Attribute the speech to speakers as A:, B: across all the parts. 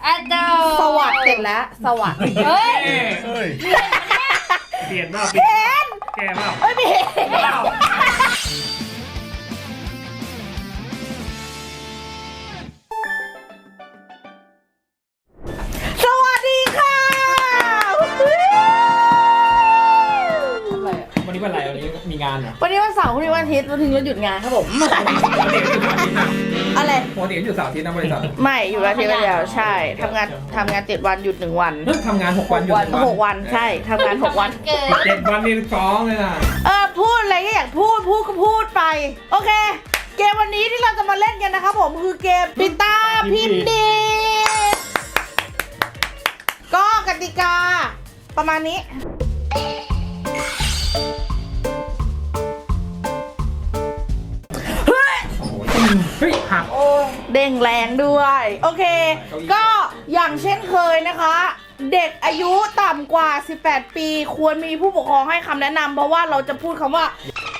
A: เจ้า
B: สวัสดิ์เสร็จแล้วสวัสดิ์
A: เฮ้ย
C: เปลี่ยนบ้าเปลี่ยนแกบ้า
B: เอ้ยไม่เห็นสวัสดีค่ะ
C: วันนี้เป็นอะไรวันนี้มีงานเหรอ
B: วันนี้วันเสาร์วันนี้วันอาทิตย์วันถึงเราหยุดงานครับผมอะไร
C: ปกติอยู่เสาร์อาทิตย์นะบริษัท
B: ไม่อยู่อาทิตย์ละเดียวใช่ทำงาน7 วันหยุด1 วัน
C: ทำงาน6 วันหยุด1 วัน
B: 6 วันใช่ทำงาน6 วัน
A: เกิน
C: 7 วันนี่ฟ้องเลยนะ
B: พูดอะไรก็อยากพูดก็พูดไปโอเคเกมวันนี้ที่เราจะมาเล่นกันนะครับผมคือเกมปิดตาพิมพ์ดีก็กติกาประมาณนี้
C: เฮ้ยหัก
B: เด้งแรงด้วยโอเคก็อย่างเช่นเคยนะคะ เด็กอายุต่ำกว่า18 ปีควรมีผู้ปกครองให้คำแนะนำเพราะว่าเราจะพูดคำว่า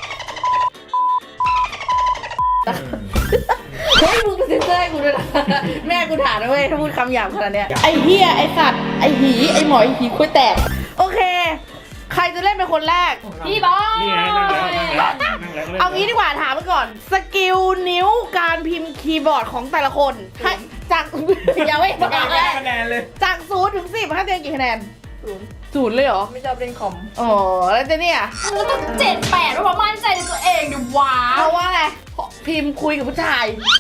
B: เฮ้ยมึงเซ็นเซอร์ให้กูด้วยนะแม่กูถามนะเว้ยถ้าพูดคำหยาบขนาดเนี้ยไอ้เหี้ยไอ้สัตว์ไอ้หีไอ้หมอยหีคุยแตกโอเคใครจะเล่นเป็นคนแรก
A: พี่บอย
C: นี่ไงนั่งแล้ว
B: เอางี้ดีกว่าถามไปก่อนสกิลนิ้วการพิมพ์คีย์บอร์ดของแต่ละคนให้จาก ยังไม่บอก
C: คะแนนเลย
B: จาก0 ถึง 10ให้เต็มกี่คะแนน0เลยเหรอ
A: ไม่ชอบเล่นคอม
B: อ๋อแล้วเจเนี่ย
A: แล้วก็7-8เพราะว่ามั่นใจในตัวเองดิว้า
B: เพราะว่าอะไรพิมพ์คุยกับผู้ชาย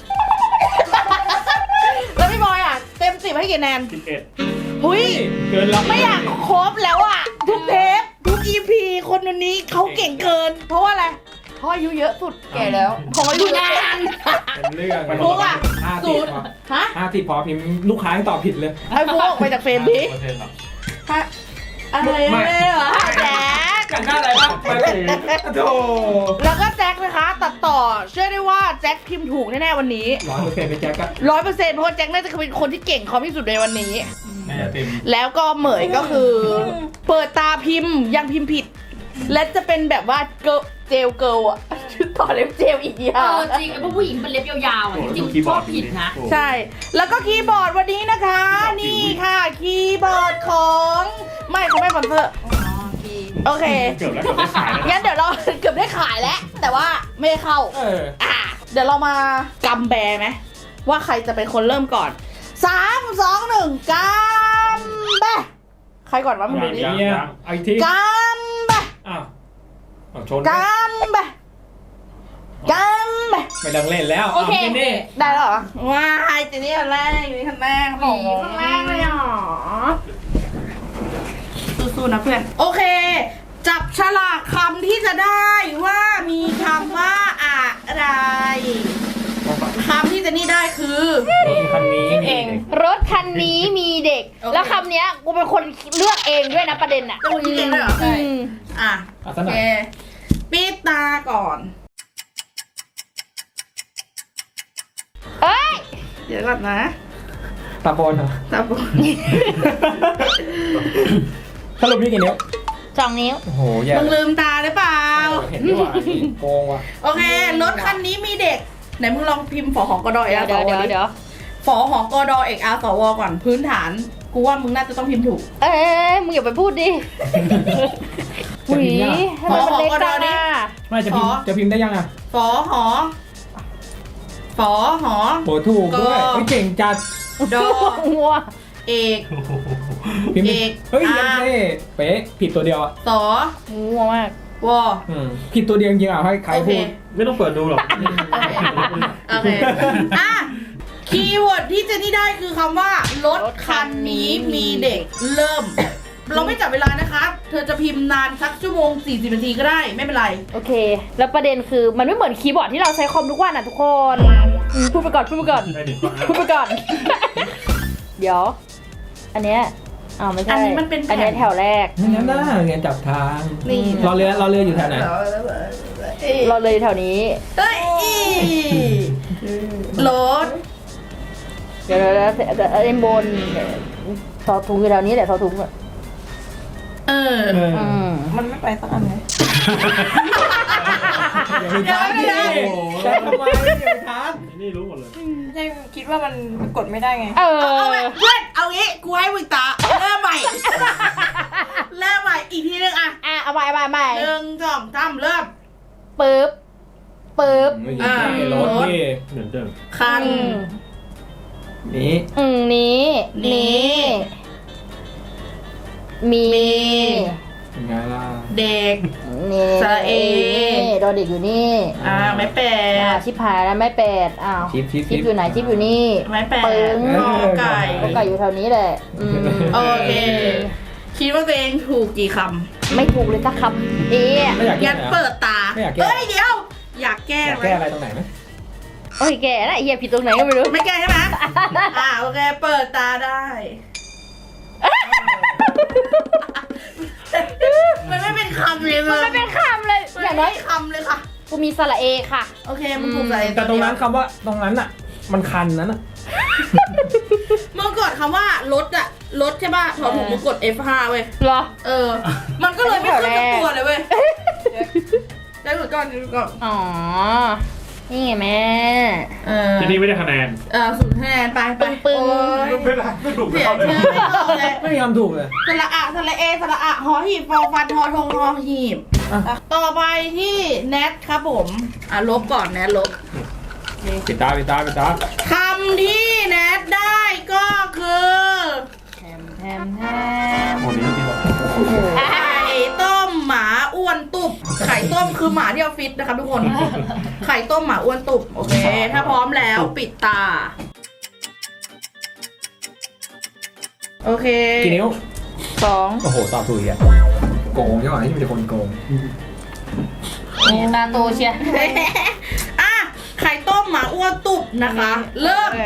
B: แล้วพี่บอยอ่ะเต็ม10ให้กี่คะแนน
C: 11
B: หุย
C: เกินแล้ว
B: ไม่อยากครบแล้วอ่ะทุกเทปทุก EP คนนี้เขาเก่งเกิน เพราะว่าอะไรเพราะอายุเยอะสุดแก่แล้วขออายุนาน
C: เป็นเรื่อง
B: ฟุกอ่ะ
C: 50
B: ฮะ
C: 50พอพิมพ์ลูกค้าให้ตอบผิดเลย
B: ให้ฟุกออกไปจากเฟรมดิฮะอะไรไม่เหรอแจ๊ค
C: กันได้อะไรบ้างไปเลยโธ่
B: แล้วก็แจ็คนะคะตัดต่อเชื่อได้ว่าแจ็คพิมพ์ถูกแน่ๆวันนี้
C: 100%เป็นแจ็คก็
B: 100%เพราะว่าแจ็คน่าจะเป็นคนที่เก่งคอมที่สุดในวันนี้
C: น่าจะเต็ม
B: แล้วก็เหมยก็คือ เปิดตาพิมพ์ยังพิมพ์ผิด และจะเป็นแบบว่าเจลเกิลอะต่อเล็บเจลอีกอย่าง
A: จริงไอ้พวกผู้หญิงเป็นเล็บยาวๆอ่ะจริงๆชอบผิดนะ
B: ใช่ แล้วก็คีย์บอร์ดวันนี้นะคะ นี่ค่ะคีย์บอร์ดของไม่เขาไม่สปอนเซอร์โอเค
C: เกือบแล้วเกือบได้ขายแล้ว
B: งั้นเดี๋ยวเรา เกือบได้ขายแล้ว แต่ว่าไม่ได้เข้า เดี๋ยวเรามากำแบไหมว่าใครจะเป็นคนเริ่มก่อน 3 2 1กำแบใครก่อนวะมึงดูดิ
C: เนี่ยเอาอีกที
B: กำแบ
C: อ้าวชน
B: กำแบกำแบ
C: ไม่ต้องเล่นแล้ว
A: โอเค
C: นี่
B: ได้แล้วเหรอว้ายเจนี่คนแรกอยู่นี่คนแรก
A: หมีข้างล่างเลยเหรอ
B: สู้ๆนะเพื่อนโอเค จับฉลากคำที่จะได้ว่ามีคำว่าอะไรคำที่เจนี่ได้คือ
C: คันนี้
A: เองรถคันนี้มีเด็ก แล้วคำเนี้ยกูเป็นคนเลือกเองด้วยนะประเด็นอ่ะ
B: ต้องยิงด้วยเหรอ
A: อืม
B: อ่ะ
C: เอา
B: โอ
C: ซะหน่
B: เค
C: อย
B: ปิดตาก่อน
A: เอ้ย
B: เดี๋ยวก่อนนะ
C: ตาบอลเหรอ
B: ตาบอด
C: สรุปนี่กี่นิ้ว
A: 2 นิ้ว
C: โอ้โหแย่
B: มึงลืมตาหรือเปล่า
C: เห็นด้วยว่ะโกงว่ะ
B: โอเค รถคันนี้มีเด็ก ไหนมึงลองพิมพ์ฝอหอกอดอเอก
A: เดี๋
B: อา
A: ยว
B: สว
A: เดี๋ยว
B: ฝอหอกอดอเอกอาสวก่อนพื้นฐาน กูว่ามึงน่าจะต้องพิมพ์ถูก
A: เอ้ยมึงอย่าไปพูดดิ
C: จะพิมพ์ยัง
A: ทำไมมันเล็กจังอ่ะ
C: ไม่จะพิมพ์ได้ยังอ่ะ
B: ฝอหอฝอหอ
C: โหถูกด้วย
B: ก็
C: เก่งจัด
B: ดอ
A: งัว
B: เอก
C: พิมพ์
B: เอก
C: เฮ้ยยังเท่เป๊ะผิดตัวเดียวอ่ะ
B: สอ
A: งัวมาก
B: วอ
C: ผิดตัวเดียวจริงๆอ่ะให้ใคร
B: โอเค
C: พูดไม่ต้องเปิดดูหรอก
B: โอเคอ่ะคีย์เวิร์ดที่เจนี่ได้คือคำว่ารถคันนี้มีเด็กเริ่ม เราไม่จับเวลานะคะ เธอจะพิมพ์นานสักชั่วโมง40 นาทีก็ได้ไม่เป็นไร
A: โอเค แล้วประเด็นคือมันไม่เหมือนคีย์บอร์ดที่เราใช้คอมทุกวันอ่ะทุกคนพูดไปก่อน พูดไปก่อน เดี๋ยว อันเนี้ยอ้าวไม่ใช่
B: อันนี้มันเป็นแผ่น
A: อันเนี้ยแถวแรก
C: งั้นน่าเรียนจับทาง
B: นี่
C: รอเรืออยู่แถวไหน
A: เราเลยแถวนี้
B: เฮ้ยรถ
A: เดี๋ยวเอ็นบนซอถุงอยู่แถวนี้แหละซอถุงอ่ะ
B: มันไม่ไปสักอันเลย
C: อย่าไปท้าดิแต่ทำไมอย่าไปท้า
D: นี่รู้หมดเลย
E: ใช่คิดว่ามันกดไม่ได้ไง
A: เอ
B: เอา
A: อ
B: ไว้เพื่อนเอา
A: ไป
B: 1 2 3เริ่ม
A: ปึ๊บ
C: ไม่ใช่รถนี่
D: เหมือนเดิม
B: คัน
C: นี้
A: นี้ มี
C: เป็นไงล่ะ
B: เด็ก
A: นี่
B: สระเอ
A: ดอเด็กอยู่นี่
B: ไม้แป
A: ชิบหายแล้วไม่เป็ดอ้าว
C: ชิป
A: ชิปอยู่ไหนชิปอยู่นี่
B: ไม้แป
A: ปึ้ง
B: กอไก่
A: ก็ไก่อยู่แถวนี้แหละ
B: โอเค คิดว่าตัวเองถูกกี่ค
A: ไม่ถูกเลยสักคำเอ๊ะ
C: ไม่อยาก
B: ำ
C: แก้
B: งั้น
C: เหรอ
B: เปิดตา
C: ไม่อยากแก้
B: เอ้ยเดี๋ยว อยากแก้
C: อยาก
B: ไหม
C: แก้อะไรตรงไหนไหม
A: โอ้ยแกนะเฮียผิดตรงไหนก็ไม่รู้
B: ไม่แก้ใช่ไหม โอเค เปิดตาได้ มันไม่เป็นคำเลย
A: มันไม่เป็นคำเลย
B: มัน
A: อย่าง
B: ไม่
A: น้อย
B: เป็นคำเลยค่ะ
A: กูมีสระเอค่ะ
B: โอเค มันถูกใจ
C: แต่ตรงนั้นคำว่าตรงนั้นอ่ะ มันคันนั้นอ่ะ
B: เมื่อก่อนคำว่ารถอะรถใช่ป่ะถอดถุงมือกด F5 เว้ย
A: เหรอ
B: มันก็เลยไม่ขึ้นกับตัวเลยเว้ยได้หลุดก่อนได้หลุดก่อน
A: อ๋อ นี่ไงแม่
D: ทีนี้ไม่ได้คะแนน
B: 0 คะแนนไปไป
A: ปึ้ง
B: โอ้ย
D: ไม่ได้ไม่ถูก
B: เสีย
D: เขาเล
B: ชื่
D: ย
B: อไม่เอาเลย
C: ไม่มีคำถูกเลย
B: สระอะสระเอสระอะหอหีบฟอฟันหอทงหอหีบ ต่อไปที่แนทครับผมลบก่อนแนทลบ
C: ปิดตา
B: คำที่แนทได้ก็คือ
A: แทม
D: โอ้นี่ที่บอก
B: ไข่ต้มหมาอ้วนตุบไข่ต้มคือหมาที่ออฟฟิศนะครับทุกคน ไข่ต้มหมาอ้วนตุบโอเค ถ้าพร้อมแล้วปิดตา โอเค
C: กี่นิ้ว
A: 2
C: โอ้โห ตอบถูกอีกอ่ะโกงใช่ไหมที่เป็นคนโกง
A: นี่ตาโตเชีย
B: อ่ะไข่ต้มหมาอ้วนตุบนะคะ เริ่ม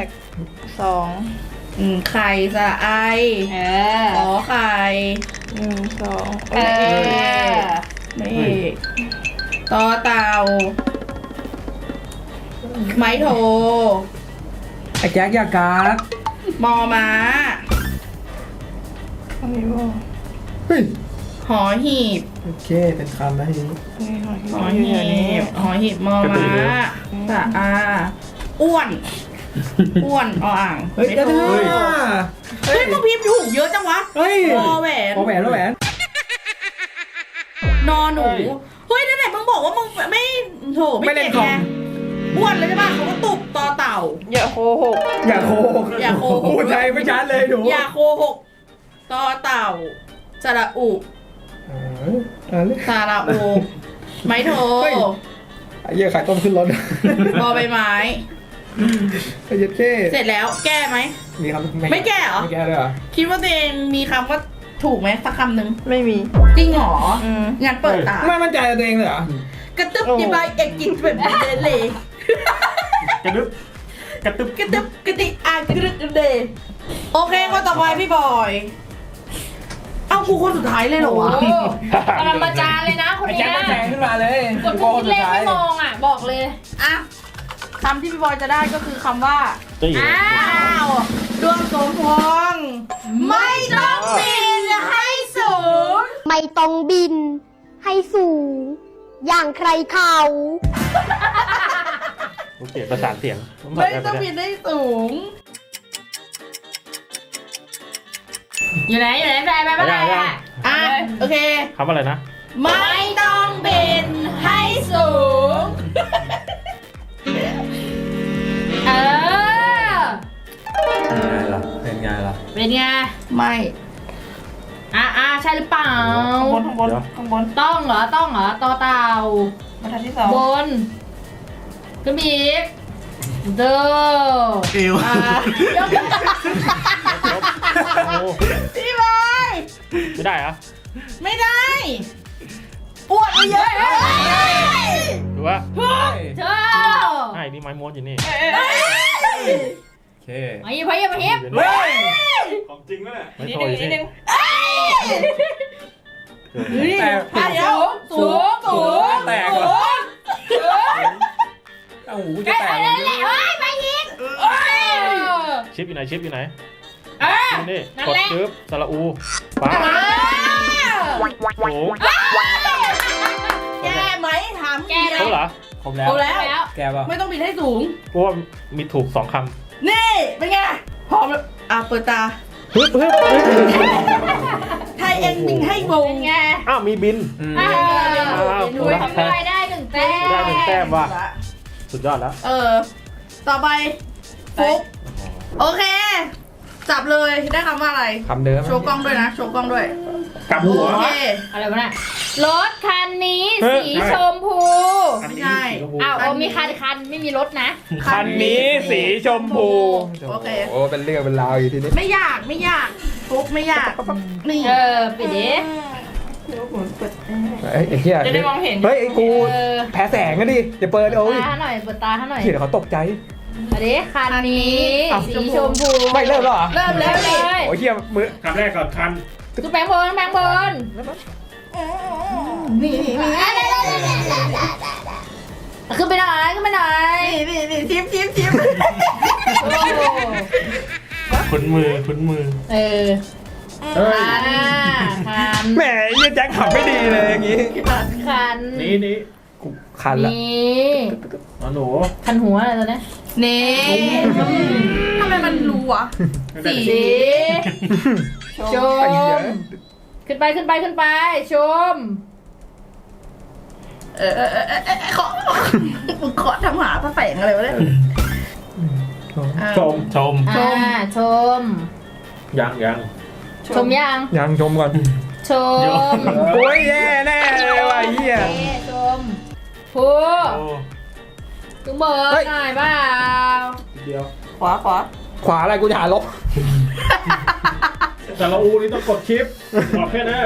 A: 2
B: ไข่สระไอขอไข่
A: 2
B: ไม่เอกต่อเต่า ไม้โท
C: ไอ้แจ็คยาการ์ด
B: มอม้า
C: เฮ้ย
B: หอหีบ
C: โอเค เป็นคำนะทีนี้
B: หอหีบมอม้าสระอาอ้วนออ่าง
C: เฮ้ย
B: ไม่
C: จะ
B: โท
C: ได้
B: เฮ้ยมึงพิมพ์ถูกเยอะจังวะ
C: เฮ้ย
B: วอแหวน
C: โอแหวนแล้วแหวน
B: นอนหนู เฮ้ยนั่นไหนมึงบอกว่ามึงไม่โถไม่
C: ไม่เล่
B: เก่
C: น
B: ง
C: คอม
B: ไงอ้วนเลยใช่ป่ะเขาก็ตุบต่อเต่า
A: อย่าโคหก
C: อย่าโกหก
B: อย่าโกหก
C: พูดใจไม่ชัดเลยหนู
B: อย่าโคหกต่อเต่าสระอุ สระอุไม้โท
C: เฮ้ย ไอ้เหี้ยไข่ต้มขึ้นรถ
B: บอใบไม้
C: ไอ้เหี้ยเท่
B: เสร็จแล้วแก้ไหม
C: มีคำ
B: ไม่แก้เหรอ
C: ไม่แก้เลยเหรอ
B: คิดว่าตัวเองมีคำว่าถูกไหมสักคำหนึ่ง
A: ไม่มี
B: จริงเหรองั้นเปิดตา
C: ไม่มั่นใจในตัวเองเลยเหรอ
B: กระตึบจีบายเอกกิจแบบเลย
D: กระดึบกระตึบ
B: กระตึบกระติกระดึกกระเดโอเคก็ต่อไปพี่บอยเอากูคนสุดท้ายเลยเหรอวะ
A: ปรมาจารย์เลยนะคน
C: ไอ้
A: เนี้
C: แจ็ค
A: ย
C: ก็แซงขึ้นมาเลย
A: กดทุกเลขไม่มองอ่ะ บอกเลย
B: อ่ะคำที่พี่บอยจะได้ก็คือคำว่า
D: จะอยู่
A: อ้าว
B: ดวงสมพงษ์ไม่ต้องบินให้สูง
E: ไม่ต้องบินให้สูง อย่างใครเขา
D: โอเคประสานเสียง
B: ไม่ต้องบินให้สูง
A: อยู่ไหนแปลไปได้อ่ะ
B: อ่ะโอเค
D: คำอะไรนะ
B: ไม่ต้องบินให้สูง
A: เออ
C: เป็นไงล่ะ
A: เป็นไง
B: ไม่
A: ใช่หรือเปล่า
B: ข้างบน
A: ต้องเหรอต่อเต่า
B: บรรทัดที่สอง
A: บนขึ้นไปอีกเด้อ
D: เอว
A: ยกขึ้น
D: โอ้
B: พี่บอย
D: ไม่ได้เหรอ
B: ไม่ได้อ้วนไปเยอะ
D: หรือว่า
A: เจ้า
D: ไอ้นี่ไม้ม้วนอยู่นี่
C: โอเค
A: มาหยิบมาหยิบ
C: เฮ้ย
D: ของจริงแล้วแหละไม่
A: นิด
D: โท
A: นึ
D: รง
A: นิดนึง
C: แต่
B: เดี๋ยวสูง
C: แตกเหรอเอ้าหูจะแตก
A: นั่นแหละไปยิง
D: ชิปอยู่ไหนชิปอยู่ไหน
A: เออ
D: นี่
A: นั่น
D: กด
A: แหละ
D: จึ๊บสระอูป้าโอ้
B: แก้ไหมถาม
A: แก้เลย
D: เขาเหรอ
C: ครบแล้ว
B: เอาแล้ว
A: แล้ว
C: แกป่ะ
B: ไม่ต้องบินให้สูง
D: เพราะว่ามีถูก2 ค
B: นี่เป็นไงพร้อมแล้วเปิดตา
D: ำฮึบ
B: ถ้า ending ให้งง
A: เป็นไง
D: อ้าวมีบิน
A: อ่า
D: อ้าว
A: หนูทำได้ได้หนึ่งแต้ม
D: ได้หนึ่งแต้มว่ะสุดยอดแล้ว
B: ต่อไปฟุกโอเค จับเลยได้คำว่าอะไร
C: คำเดิม
B: โชว์กล้องด้วยนะ โชว์กล้องด้วย
D: กลับหัว
B: โอเค
A: อะไรวะน่ะรถคันนี้
D: เฮ้ย
A: สีชมพู
B: ไม่ใช่
A: อ้าวมีคันไม่มีรถนะ
D: คันนี้สีชมพู
B: โอเค
C: โอ้เป็นเรื่องเป็นราวอยู่ทีนี้
B: ไม่ยากฟุกไม่ยากนี่
A: ปิดดิ
C: ไอ้เหี้ย
B: จะได้มองเห็น
C: เฮ้ยไอ้กู
A: เออ
C: แพ้แสงก็ดิอย่าเปิดโอ้ย
A: ตาหน่อยเปิดตาให้หน่อย
C: เดี๋ยวเขาตกใจ
A: มาดิคันนี้
C: อ้าว
A: สีชมพู
C: ไม่เริ่มแล้วเหรอ
B: เริ่มแล้ว
A: เล
B: นี่
A: ย
C: โอ้ยเหี้ยมือ
D: คำแรกก่อนคัน
A: คือแบงค์บอล
B: นี่
A: ขึ้นไปหน่อย
B: นี่ทิป
A: โอ้
D: คุ้นมือคุ้นมือ
A: เออ
C: เฮ้ย
A: คัน
C: แหมเหี้ยแจ็คขับไม่ดีเลยอย่างงี้
A: คัน
D: นี่
C: กูคันละ
A: นี่
D: อ๋อหนู
A: คันหัวอะไรตัวเนี้ย
B: นี่ทำไมมันรู้วะ สี
A: ช
C: ไปเย
A: ม
C: อะ
A: ขึ้นไปชม
B: ขอทำหาพระแฝงอะไรวะเนี่ย
D: ชม
A: ชม
D: ยัง
A: ชมยัง
C: ยังชมก่อน
A: ชม
C: โอ้ยแย่แน่เลยว่ะไอ้เหี้ย
A: ชมพูจุงเบิร์
C: เฮ้
A: ด
C: ย
A: หน่อยเปล่า
D: เดียว
B: ขวา
C: ขวาอะไรกูจะหาลบ
D: แต่ละอูนี่ต้องกดชิปบอกแค่นั้น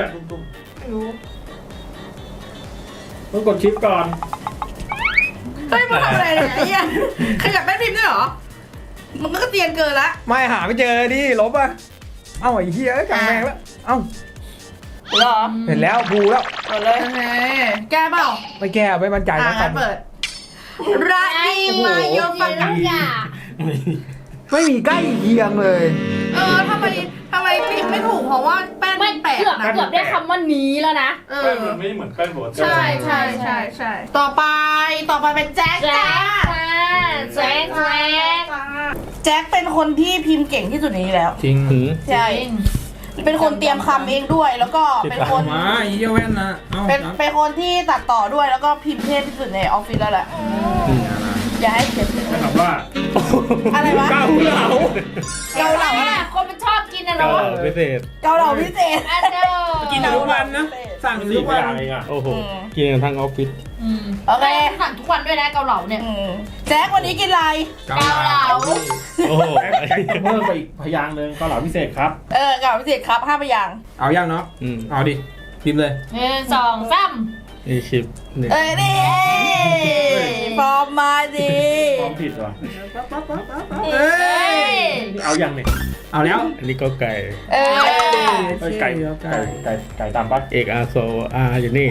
D: ต้องกดชิปก่อน
B: เฮ้ยมันทำอะไรเนี่ยไอ้เหี้ยขยับแม่พิมพ์ด้วยเหรอ มันก็เตียนเกินละ
C: ไม่หาไม่เจอดิลบอ่ะเอ้าไอ้เหี้ยกลางแมงแล้วเอ้า
B: เหรอ
C: เห็นแล้วบูแล้ว
B: เปิดเลยแก้เปล่า
C: ไม่แก้ไม่มั่นใจนะครั
B: งั้นเปิดราดีมาโยฟัง
A: อย่า
C: ไม่มีใกล้เคียงเลย
B: ทำไมพิมพ์ไม่ถูกเพราะว่าแป้น
A: ไม่
B: มันแปลก
A: เกือบ
B: นะ
A: ได้คำว่านี้แล้วนะ
D: แป้นมันไม่เหมือนแป้นโบด
B: ใช่ต่อไปเป็นแจ็ค
A: แจ็
B: จ้า
A: คแจ็ค
B: แจ็คเป็นคนที่พิมพ์เก่งที่สุดในนี้แล้ว
C: จริง
B: ใช่เป็นคนเตรียมคำเองด้วย แล้วก็เป็นคน
C: มาไอ้เหี้ยแว่นนะเอ้า
B: เป็นคนที่ตัดต่อด้วยแล้วก็พิมพ์เทพที่สุดในออฟฟิศแล้วแหละอย่าให้เสียชื่อ
D: ถามว่า
B: อะไรวะ
C: เกาเหลา
B: เกาเหลา
A: เนี่ยคนมันชอบกินนะเนาะ
D: พิเศษ
B: เกาเหลาพิเศษ
A: อันเดอร์
C: กินทุกวันนะสั่ง
D: สี่
C: ทุก
D: อ
C: วัน
D: ย่างเองอ่ะ
F: โอ้โห กินกันทั้งออฟฟิศ
B: โอเค
A: สั่งทุกวันด้วยนะเกาเหลาเนี่ย
B: แจ็ควันนี้กินอะไร
C: เกาเหลา
F: โอ้โห
D: เพิ่มไปอีกพยางค์หนึ่งเกาเหลาพิเศษครับ
B: เกาเหลาพิเศษครับ5พยางค์
C: เอายังเนาะ
F: อืม
C: เอาดิพิมพ์เลย
A: 1 2 3
F: นี่คลิปหนึ่ง
B: นี่ฟอร์มมาดิ
D: ความผิดเหรอ
A: เอ้ย
D: นี่เอายังเนี่ย
C: เอาแล้ว
F: อันนี้ก็ไก่
D: ไก่ตามปะ
F: เอกอาโซอาอยู่นี่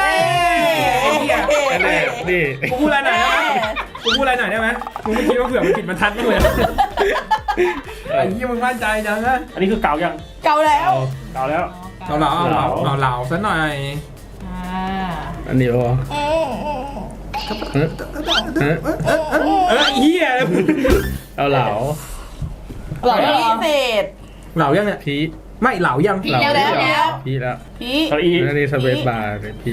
F: อันนี้นี่
C: กูพูดอะไรหน่อยได้ไหมกูพูดอะไรหน่อยได้ไหมมึงไม่คิดว่าเผื่อมันผิดบรรทัดมั้างเลยไอ้เหี้ยมึงมั่นใจจังนะ
D: อันนี้คือเก่ายัง
B: เกาแล้ว
D: เก่าแล้ว
C: เอาเหลาซะหน่อย
F: อันนี้วะ
C: เฮีย
F: เอาเหลา
B: เหลาพิเศษ
C: เหลายังเนี่ย
F: พี
C: ไม่เหลายัง
F: เหลา
B: แล้ว
F: พีแล้ว
B: พี่
D: เก้าอี้
F: อันนี้สเปซบาร์เลยพี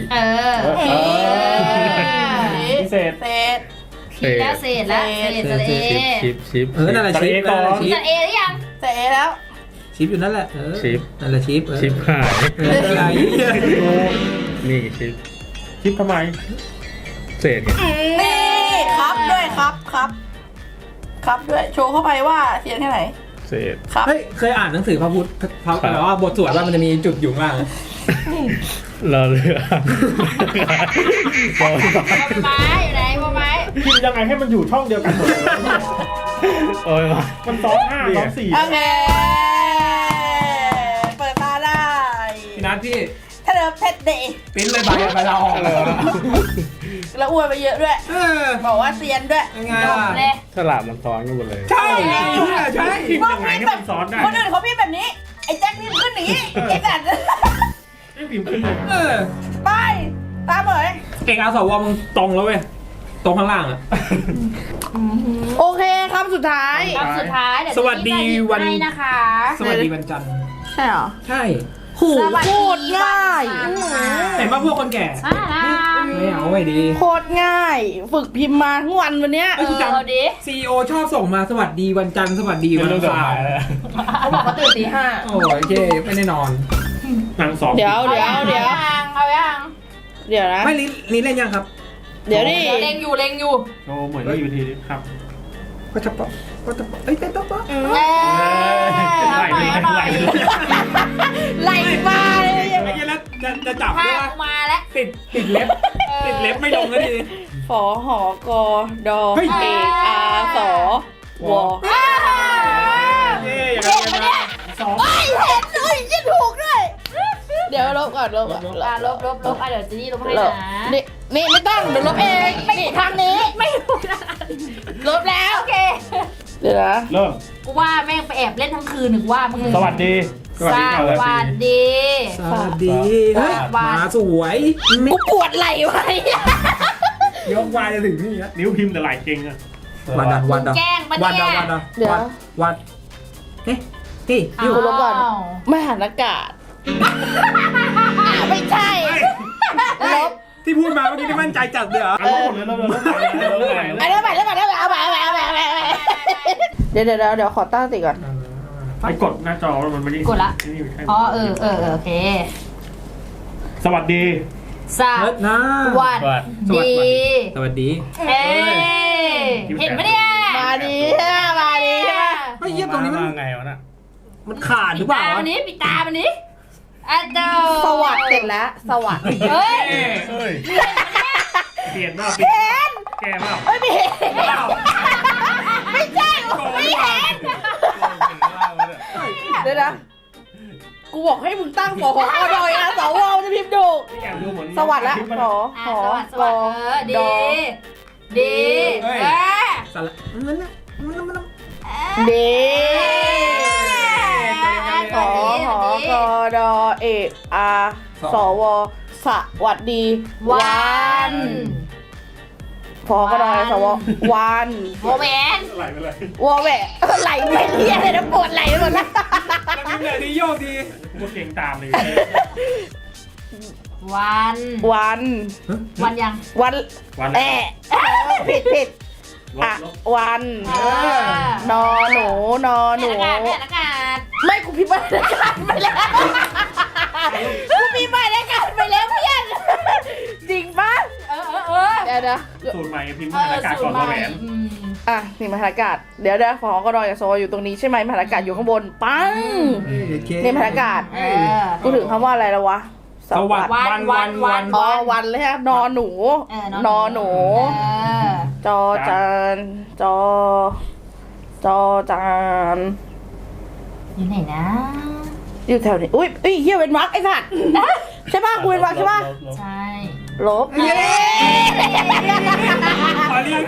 D: พิเศษ
B: เศษ
F: เศษ
A: แล้วเศษแล้วเศษเอ
F: ชิป
C: นั่นแหละชิป
A: จะเอหรือยัง
B: เศษแล้ว
C: ชิปอยู่นั่นแหละนั่นแหละชิป
F: ชิปหาย
C: อะไร
F: นี่ชิป
D: คิดทำไม
F: เศษไง
B: นี่ครับด้วยครับด้วยโชว์เข้าไปว่าเสียงแค่ไหน
F: เศษ
B: ครับ
C: เฮ้ยเคยอ่านหนังสือพระพุทธแบบว่าบทสวดว่ามันจะมีจุดอยู่ข้างล่าง
F: เราเลือก
A: ไม้อยู่ไหนไม้
D: พิมพ์ยังไงให้มันอยู่ช่องเดียวกันหมดเลย
F: โอ้ยมา
D: มันซ้อน5ซ้อน4
B: โอเคเปิดตาได้
C: พี่นัทพี่
B: ถ้าเดิมเท็ดเดย์
C: ปิ้นเลยใบเราออกเลย
B: แล้วอวยไปเยอะด้วย บอกว่าเซียนด้วย
C: ยังไง
A: จบ
C: ล่ะ
A: เลย
F: สลับมันซ้อนกันหมดเลย
C: ใช่ใช่
D: พิมพ์ยังไงให้มันซ้อนได้
B: คนอื่นเขาพิมพ์แบบนี้ ไอ้แจ็คพิมพ์ขึ้นหนีไอ้สัตว์
D: ไม่พิมพ์ขึ้นเลย
B: ไปตามเลย
C: เอกอาสวมึงตรงแล้วเว้ยตรงข้างล่างอ่ะ
B: โอเคครับสุดท้าย
A: คำสุดท้ายเดี๋ยวให้นะคะ
C: สวัสดีวันจันทร์
B: ใช่เหรอ
C: ใช่
B: หู
A: สวัส
B: โค
A: ดี
B: ตรง่าย
A: วันจันทร์ค่ะ
C: เห็นป่ะพวกคนแก่ ไม่เอาไม่ดี
B: โคตรง่าย ฝึกพิมพ์มาทั้งวันวันเนี้ย
C: เอ้ยกูจ
A: เอาดิ
C: ำซีโอชอบส่งมาสวัสดีวันจันทร์สวัสดีวันอังคาร
D: เขาบอกเขาตื่นตี 5
C: โอ้ยโอเคไม่ได้นอน
F: นางสอง
B: เดี๋ยว
A: เอายังเอายัง
B: เดี๋ยวนะ
C: ไม่ลิ้นเล่นยังครับ
B: เดี๋ยวดิ
A: เล็งอยู่เล็งอยู่
F: โชว์เหมือนนี่อยู่ทีนี้ครับ
C: ก็จะปะก็จะปะเอ้ยเต้นต๊ะปะ
F: ไหลไปเลยไหลไปเลย
B: ไหลมาเลย
C: ไอ้เหี้ยแล้วจะจับ
A: ภา
C: ด้วย
A: พ
C: ว่า
A: มาแล้ว
C: ติดเล็บติดเล็บไม่ลงแล้วทีนี้
B: ฝอหอกอดอ
C: เฮ้ย
B: เอกอาสอวอ
C: เย้อย่างนั้นนะสอง
B: จะถูกด้วย เดี๋ยวลบก่อนลบก่อน
A: ลบเดี๋ยวเจนี่ลบให้
B: ล
A: นะ
B: บนี่ไม่ต้องเดี๋ยวลบเองนี่ทางนี้
A: ไม่ถูกนะ
B: ลบแล้ว
A: โอเค
B: เดี๋ยวนะ
F: เริ่ม
A: กูว่าแม่งไปแอบเล่นทั้งคืนหนึ่งว่ามึง
F: สวัสดี
A: สวัสดี
C: สวัสดีเฮ้ยมาสวย
B: กูปวดไหล่ไว้
C: ยกวายจะถึงนี่แล้ว
F: นิ้วพิมพ์แต่ไหลเก่งอะ
C: วันดาวันดา
A: แกล้งปะ
C: วัน
A: เนี่
C: ดาย วันดา
B: เดี๋ยว
C: วันเฮ้ยเฮ้ย
B: อยู่ลบก่อนไม่หันอากาศไม่ใช่ลบ
C: ที่พูดมาเมื่อกี้ที่มั่นใจจัดเลยเหรอ
F: เอาหมดเลยเริ่มไหล
B: เดี๋ยวขอตั้งสติก่อน
F: ไปกดหน้าจอมันไม่ได้
A: กดละ
F: นี่ใช่
A: อ๋อโอเค
F: สวัสดี
A: ส
C: เฮ้ยนะ
A: วัสดี
C: สวัสดี
A: เอ้เห็นปะเนี่ย
B: มาดีใช่ไหมมาดีใช่ไหม
C: ไอ้เหี้ยตรงนี้มัน
F: ไงวะน่ะ
C: มันขาดหรือเปล่า
A: ตามันนี้ปิดตามันนี้อ่ะเจ้า
B: สวัสดิ์เสร็จแล้วสวัสดิ์
A: เฮ้ย
F: เฮ้ยเปลี่ยนเปล่าแกเปล่า
B: ไม่เห็นไม่ใช่ไม่เห็นเดี๋ยวนะกูบอกให้มึงตั้งฝอหอกอดอยนะสวจะพิมพ์ดูสวัสดิ์ละฝอหอ
A: สวัสดีดีเออ
C: สละมันนะมัน
B: เดขอหอกอดอเอกอาสวสวัสดีวัน พอก็ได้สววัน
A: โมเมน
F: ไหลไปเลย
B: วอแหวะไหลไม่เรียเลยนะปวดไหลไปหมดแล้ว
C: แล้วพิมพ์ไหนดีโยกดี
F: กูเก่งตามเลย
A: วัน
B: วัน
A: วันยัง
B: วัน
F: วัน
B: แอะผิดอ่ะวัน นอหนูนอหนู
A: อากาศ
B: ไม่กูพิมพ์มาในการไปแล้วกูพิมพ์มาในการไปแล้วเพื่อนจริงปะเดี๋ยวนะ
F: สูตรใหม่พิมพ์อากาศก่อนมาแหวน
B: อ่ะนี่มหาอากาศเดี๋ยวฝอก็รออย่าโซอยู่ตรงนี้ใช่ไหมมหาอากาศอยู่ข้างบนปังนี่มหาอากาศกูถึงคำว่าอะไรแล้ววะ
C: สวัสดีวัน
B: อ๋อวันเลยฮะนอหนูนอหนู จอจานจอจาน
A: อยู่ไหนนะ
B: อยู่แถวนี้อุ้ยเฮียเว้นวรรคไอ้สัตว์ใช่ป่ะกูเว้นวรรคใช่ป่ะ
A: ใช่
B: ลบ
C: ขอเรียก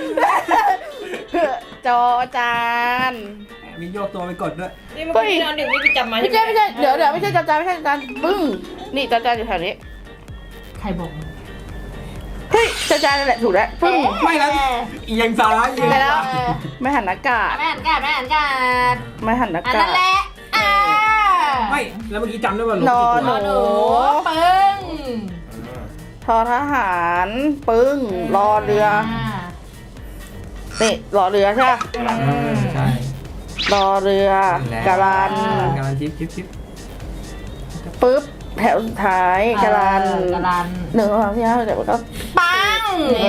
B: จอจาน
C: มีโยกตัวไปกดด้วย
D: นี่มันพี่นอนดึกนี่ไปจำมา
B: ไม่ใช่เดี๋ยวไม่ใช่จอจานไม่ใช่จอจานปึ้งนี่จอจานอยู่แถวนี้
A: ใครบอกมึง
B: เฮ้ยจอจานนั่นแหละถูกแล้วปึ้ง
C: ไม่แล้วอียังซ้ายอีก
B: ไปแล้วไม่หันอากาศ
A: แม่หันอากาศ
B: ไม่หันอา
A: อัน
B: กา
A: นั้
B: ศ
A: นแหละ
C: ไม่แล้วเมื่อกี้จำได้ว่าลบ
B: นอ
C: กี่
B: ห
C: ตั
B: นู
C: ว
A: ปึ้ง
B: ทอทหารปึ้งรอเรือนี่รอเรือใช่ป่ะ
C: ใช่
B: รอเรือกาลัน
C: การันชิป
B: ปึ๊บแถวสุดท้ายกาลัน
A: กาลัน
B: 1 2 3 4 5 6 7 8 9
A: ปัง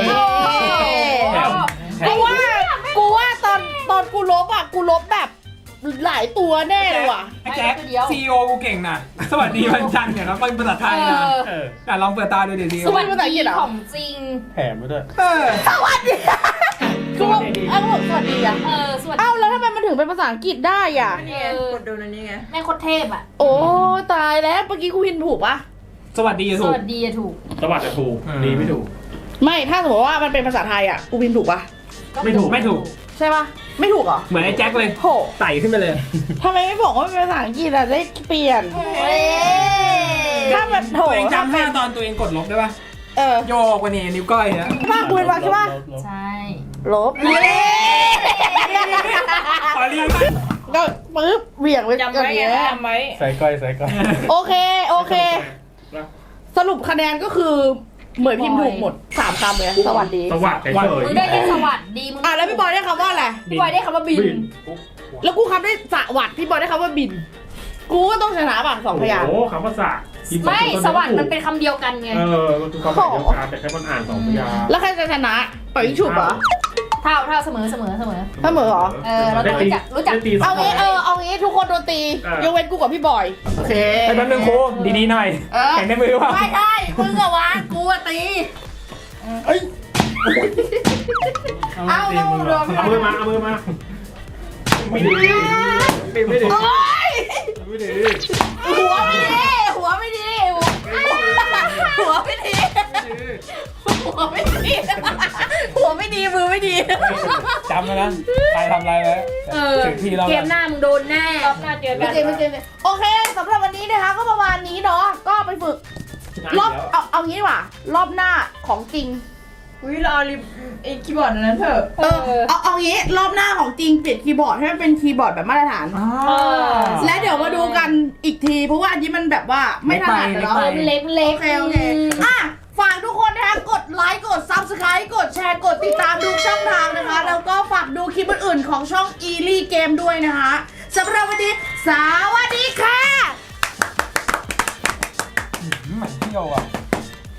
B: กูว่าตอนกูลบอ่ะกูลบแบบหลายตัวแน่เลยว่ะ
C: ไอ้แจ็คซีโอกูเก่งนะสวัสดีวันจันทร์เนี่ยครับเป็นภาษาไทยนะลองเปิดตาดูดิซีโอ
A: สวัสดีของจริง
F: แถมไปด้วย
B: สวัสดีกูบอกสวัสดีอ่ะ
A: สวัสดี
B: เอ้าแล้วทำไมมันถึงเป็นภาษาอังกฤษได้อ่ะ
D: นี่ไงกดดูนั่นนี่ไง
A: แม่โคตรเทพอ่ะ
B: โอ้ตายแล้วเมื่อกี้กูพิมพ์ถูกปะ
C: สวัสดี
A: ส
C: ถูก
A: วัสดีอะถูก
F: สวัสดีถูกดีไม่ถูก
B: ไม่ถ้าสมมติว่ามันเป็นภาษาไทยอ่ะกูพิมพ์ถูกปะ
C: ไม่ถูก
B: ใช่ปะไม่ถูกเหรอ
C: เหมือนไอ้แจ็คเลย
B: โห
C: ไต่ขึ้นไปเลย
B: ทำไมไม่บอกว่าเป็นภาษาอังกฤษอ่ะได้เปลี่ยน ถ้ามันโถ
C: ตัวเองจำแค่ตอนตัวเองกดลบได้ป่ะ โยกวันนี้นิ้วก้อยนะ
B: ภาคกูเป็นวรรคใช่ปะ
A: ใช่
B: ลบ
C: ขอเรียก
B: ก็ปึ๊บเหวี่ยงไป
D: จำไว้ไงจำไว้
C: ใส่ก้อยใส่ก้อย
B: โอเคสรุปคะแนนก็คือเหมยพิมพ์ถูกหมด3คำเลยสวัสดี
F: สวัสดีเฉย
A: มึงได้แค่สวัสดีมึง
B: แล้วพี่บอยได้คำว่าอะไร
A: พี่บอยได้คำว่าบิน
B: แล้วกูคำได้สวัสดิ์พี่บอยได้คำว่าบิน กูก็ต้องชนะป่ะ2พยางค์
F: โอ้คำภาษา
A: ไม่สวัสดีมันเป็นคำเดียวกันไง
F: มันคือคำหมายเดียวกันแต่แค่มันอ่าน2พยางค์
B: แล้วใครจะชนะปล่อยยิงฉุบเหรอ
A: เท่าเสมอ
B: เสมอเหรอ
A: เราต้องรู้จัก
B: เอางี้เอางี้ทุกคนโดนตียกเว้นกูกับพี่บอยโอเค
C: ไอ้แป๊บนึงโค้ดีๆหน่อยแข่งในมือว่ะ
B: ไม่ได้มึงอะวะกูอะตี
C: เอ้ย
B: เอาแล้วมึงโดน
F: เอามือมาไม่ดี
C: ไม่ดี
B: โอ๊ย
C: ไม่ดี
B: หัวไม่ดีหัวไม่ดีหัวไม่ดีหัวไม่ดีหัวไม่ดีมือไม่ดี
C: จำไว้นะใครทำอะไรไว้ถึงทีเรา
A: เกมหน้ามึงโดนแน่รอบหน้าเจอกั
B: ไม่
A: น
B: เจไม่เจโอเคสำหรับวันนี้นะคะก็ประมาณนี้เนาะก็ไปฝึกรอบเอางี้ดีกว่ารอบหน้าของจริง
D: อุ้ยเราเอาไอ้คีย์บอร์ดอันนั้นเถอะ
B: เอางี้รอบหน้าของจริงเปลี่ยนคีย์บอร์ดให้มันเป็นคีย์บอร์ดแบบมาตรฐาน และเดี๋ยวมาดูกันอีกทีเพราะว่าอันนี้มันแบบว่าไม่ถนัดแล้ว
A: เล็ก
B: โอเคอ่ะฝากทุกคนนะคะกดไลค์กด Subscribe กดแชร์กดติดตามทุกช่องทางนะคะ แล้วก็ฝากดูคลิปอื่นๆของช่อง Eely Game ด้วยนะคะสำหรับวันนี้สวัสดีค่ะ
C: เหมือนเที่ยวอ่ะ